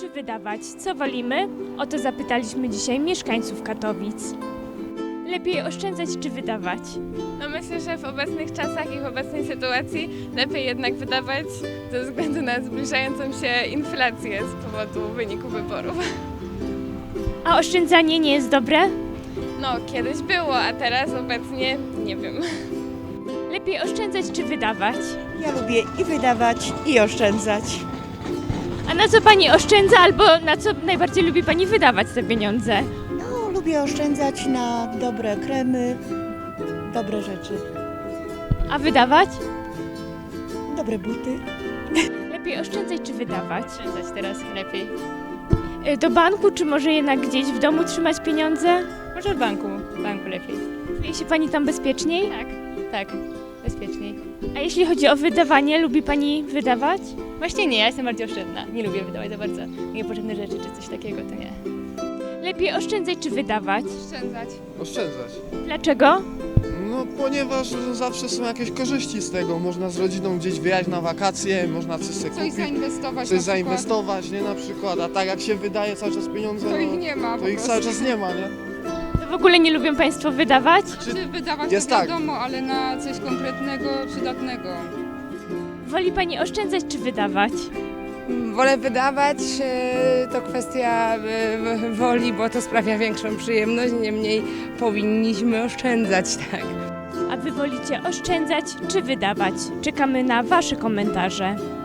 czy wydawać? Co wolimy? O to zapytaliśmy dzisiaj mieszkańców Katowic. Lepiej oszczędzać czy wydawać? No myślę, że w obecnych czasach i w obecnej sytuacji lepiej jednak wydawać ze względu na zbliżającą się inflację z powodu wyniku wyborów. A oszczędzanie nie jest dobre? No, kiedyś było, a teraz obecnie nie wiem. Lepiej oszczędzać czy wydawać? Ja lubię i wydawać, i oszczędzać. A na co pani oszczędza albo na co najbardziej lubi pani wydawać te pieniądze? No, lubię oszczędzać na dobre kremy, dobre rzeczy, A wydawać? dobre buty. Lepiej oszczędzać czy wydawać? Oszczędzać teraz lepiej. Do banku czy może jednak gdzieś w domu trzymać pieniądze? Może w banku lepiej. Czuje się pani tam bezpieczniej? Tak, bezpieczniej. A jeśli chodzi o wydawanie, lubi pani wydawać? Właśnie nie, ja jestem bardziej oszczędna. Nie lubię wydawać za bardzo niepotrzebne rzeczy czy coś takiego, to nie. Lepiej oszczędzać czy wydawać? Oszczędzać. Oszczędzać. Dlaczego? No ponieważ zawsze są jakieś korzyści z tego. Można z rodziną gdzieś wyjechać na wakacje, można coś sobie Coś kupić, zainwestować coś na przykład. zainwestować, nie na przykład. A tak jak się wydaje cały czas pieniądze, To ich no, nie ma to po ich prostu. cały czas nie ma, nie? To w ogóle nie lubią państwo wydawać? Czy wydawać Jest to tak. wiadomo, ale na coś konkretnego, przydatnego. Woli pani oszczędzać czy wydawać? Wolę wydawać, to kwestia woli, bo to sprawia większą przyjemność, niemniej powinniśmy oszczędzać, tak. A wy wolicie oszczędzać czy wydawać? Czekamy na wasze komentarze.